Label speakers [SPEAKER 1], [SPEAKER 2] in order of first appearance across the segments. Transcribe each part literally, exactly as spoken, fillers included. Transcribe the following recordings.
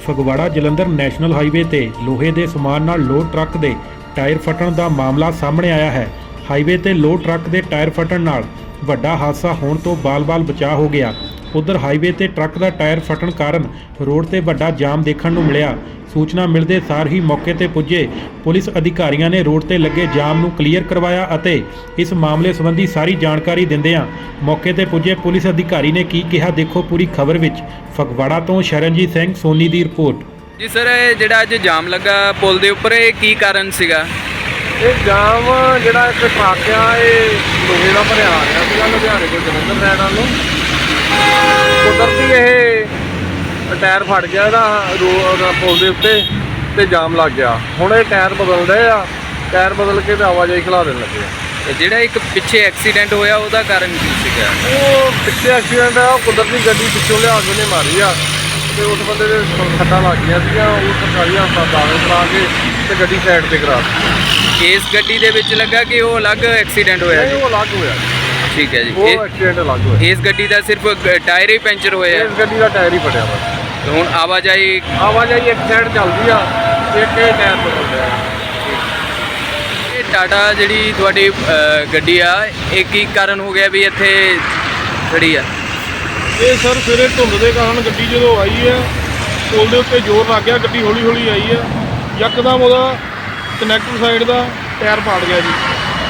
[SPEAKER 1] Phagwara Jalandhar national highway ਤੇ ਲੋਹੇ ਦੇ ਸਮਾਨ ਨਾਲ ਲੋਡ ਟਰੱਕ ਦੇ ਟਾਇਰ ਫਟਣ ਦਾ ਮਾਮਲਾ ਸਾਹਮਣੇ ਆਇਆ ਹੈ। ਹਾਈਵੇ ਤੇ ਲੋਡ ਟਰੱਕ ਦੇ ਟਾਇਰ ਫਟਣ ਨਾਲ ਵੱਡਾ ਹਾਦਸਾ ਹੋਣ ਤੋਂ ਬਾਲ-ਬਾਲ ਬਚਾਅ ਹੋ ਗਿਆ। ਉਧਰ ਹਾਈਵੇ ਤੇ ਟਰੱਕ ਦਾ ਟਾਇਰ ਫਟਣ ਕਾਰਨ ਰੋਡ ਤੇ ਵੱਡਾ ਜਾਮ ਦੇਖਣ ਨੂੰ ਮਿਲਿਆ। ਸੂਚਨਾ ਮਿਲਦੇ ਸਾਰ ਹੀ ਮੌਕੇ ਤੇ ਪੁੱਜੇ ਪੁਲਿਸ ਅਧਿਕਾਰੀਆਂ ਨੇ ਰੋਡ ਤੇ ਲੱਗੇ ਜਾਮ ਨੂੰ ਕਲੀਅਰ ਕਰਵਾਇਆ ਅਤੇ ਇਸ ਮਾਮਲੇ ਸੰਬੰਧੀ ਸਾਰੀ ਜਾਣਕਾਰੀ ਦਿੰਦਿਆਂ ਮੌਕੇ ਤੇ ਪੁੱਜੇ ਪੁਲਿਸ ਅਧਿਕਾਰੀ ਨੇ ਕੀ ਕਿਹਾ, ਦੇਖੋ ਪੂਰੀ ਖਬਰ ਵਿੱਚ। ਫਗਵਾੜਾ ਤੋਂ ਸ਼ਰਨਜੀਤ ਸਿੰਘ ਸੋਨੀ ਦੀ ਰਿਪੋर्ट।
[SPEAKER 2] ਜੀ ਸਰ, ਇਹ ਜਿਹੜਾ ਅੱਜ ਜਾਮ ਲੱਗਾ ਪੁਲ ਦੇ ਉੱਪਰ, ਇਹ ਕੀ ਕਾਰਨ ਸੀਗਾ?
[SPEAKER 3] ਇਹ ਜਾਮ ਜਿਹੜਾ ਇੱਕ ਟਰੱਕ ਆ ਇਹ ਲੋਹੇ ਦਾ ਭਰਿਆ ਆ ਰਿਹਾ ਸੀਗਾ ਲੁਧਿਆਣੇ ਤੋਂ ਜਲੰਧਰ ਰਹਿਣ ਵੱਲ ਨੂੰ। ਕੁਦਰਤੀ ਇਹ ਟਾਇਰ ਫਟ ਗਿਆ ਇਹਦਾ ਰੋਡ ਪੁਲ ਦੇ ਉੱਤੇ ਤੇ ਜਾਮ ਲੱਗ ਗਿਆ। ਹੁਣ ਇਹ ਟਾਇਰ ਬਦਲ ਰਹੇ ਆ, ਟਾਇਰ ਬਦਲ ਕੇ ਤੇ ਆਵਾਜਾਈ ਖਿਲਾ ਦੇਣ ਲੱਗੇ ਆ।
[SPEAKER 2] ਤੇ ਜਿਹੜਾ ਇੱਕ ਪਿੱਛੇ ਐਕਸੀਡੈਂਟ ਹੋਇਆ ਉਹਦਾ ਕਾਰਨ ਕੀ ਸੀਗਾ?
[SPEAKER 3] ਉਹ ਪਿੱਛੇ ਐਕਸੀਡੈਂਟ ਆ, ਉਹ ਕੁਦਰਤੀ ਗੱਡੀ ਪਿੱਛੋਂ ਲਿਆ ਕੇ ਉਹਨੇ ਮਾਰੀ ਆ ਤੇ ਉਸ ਬੰਦੇ ਦੇ ਸੱਟਾਂ ਲੱਗ ਗਈਆਂ ਸੀਗੀਆਂ। ਉਹ ਸਰਕਾਰੀ ਹਸਪਤਾਲ ਦਾਖਲ ਕਰਾ ਕੇ ਤੇ ਗੱਡੀ ਸਾਈਡ ਤੇ ਕਰਾ ਦਿੱਤੀ।
[SPEAKER 2] ਇਸ ਗੱਡੀ ਦੇ ਵਿੱਚ ਲੱਗਾ ਕਿ ਉਹ ਅਲੱਗ ਐਕਸੀਡੈਂਟ ਹੋਇਆ
[SPEAKER 3] ਇਹ
[SPEAKER 2] ਜੀ?
[SPEAKER 3] ਉਹ ਅਲੱਗ ਹੋਇਆ,
[SPEAKER 2] ਠੀਕ ਹੈ ਜੀ।
[SPEAKER 3] ਉਹ
[SPEAKER 2] ਇਹ-
[SPEAKER 3] ਐਕਸੀਡੈਂਟ ਅਲੱਗ ਹੋਇਆ।
[SPEAKER 2] ਇਸ ਗੱਡੀ ਦਾ ਸਿਰਫ ਗ- ਟਾਇਰ ਹੀ ਪੈਂਚਰ ਹੋਇਆ?
[SPEAKER 3] ਇਸ ਗੱਡੀ ਦਾ ਟਾਇਰ ਹੀ ਫਟਿਆ ਵਾ।
[SPEAKER 2] ਤੇ ਹੁਣ ਆਵਾਜਾਈ
[SPEAKER 3] ਆਵਾਜਾਈ ਇੱਕ ਸਾਈਡ ਚੱਲਦੀ ਆ, ਇੱਕ ਇਹ ਟਾਇਰ ਬਦਲ ਰਿਹਾ।
[SPEAKER 2] ਇਹ ਟਾਟਾ ਜਿਹੜੀ ਤੁਹਾਡੀ ਅ, ਗੱਡੀ ਆ, ਇਹ ਕੀ ਕਾਰਨ ਹੋ ਗਿਆ ਵੀ ਇੱਥੇ ਖੜੀ ਆ?
[SPEAKER 4] ਇਹ ਸਰ ਸਵੇਰੇ ਧੁੰਦ ਦੇ ਕਾਰਨ ਗੱਡੀ ਜਦੋਂ ਆਈ ਹੈ ਪੁਲ ਦੇ ਉੱਤੇ ਜ਼ੋਰ ਲੱਗ ਗਿਆ, ਗੱਡੀ ਹੌਲੀ ਹੌਲੀ ਆਈ ਹੈ, ਯਕਦਮ ਉਹਦਾ ਕਨੈਕਟਰ ਸਾਈਡ ਦਾ ਟਾਇਰ ਪਾੜ ਗਿਆ ਜੀ।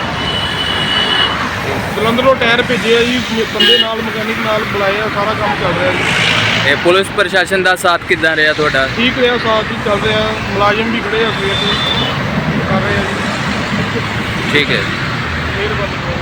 [SPEAKER 4] ਜਲੰਧਰੋਂ ਟਾਇਰ ਭੇਜਿਆ ਜੀ, ਬੰਦੇ ਨਾਲ ਮਕੈਨਿਕ ਨਾਲ ਬੁਲਾਏ ਆ, ਸਾਰਾ ਕੰਮ ਚੱਲ ਰਿਹਾ ਜੀ।
[SPEAKER 2] ਇਹ ਪੁਲਿਸ ਪ੍ਰਸ਼ਾਸਨ ਦਾ ਸਾਥ ਕਿੱਦਾਂ ਰਿਹਾ ਤੁਹਾਡਾ?
[SPEAKER 4] ਠੀਕ ਰਿਹਾ, ਸਾਥ ਹੀ ਚੱਲ ਰਿਹਾ, ਮੁਲਾਜ਼ਮ ਵੀ ਖੜੇ ਆ ਸਵੇਰ ਤੋਂ ਕਰ ਰਹੇ ਆ ਜੀ।
[SPEAKER 2] ਠੀਕ ਹੈ।
[SPEAKER 4] ਮਿਹਰਬਾਨੀ।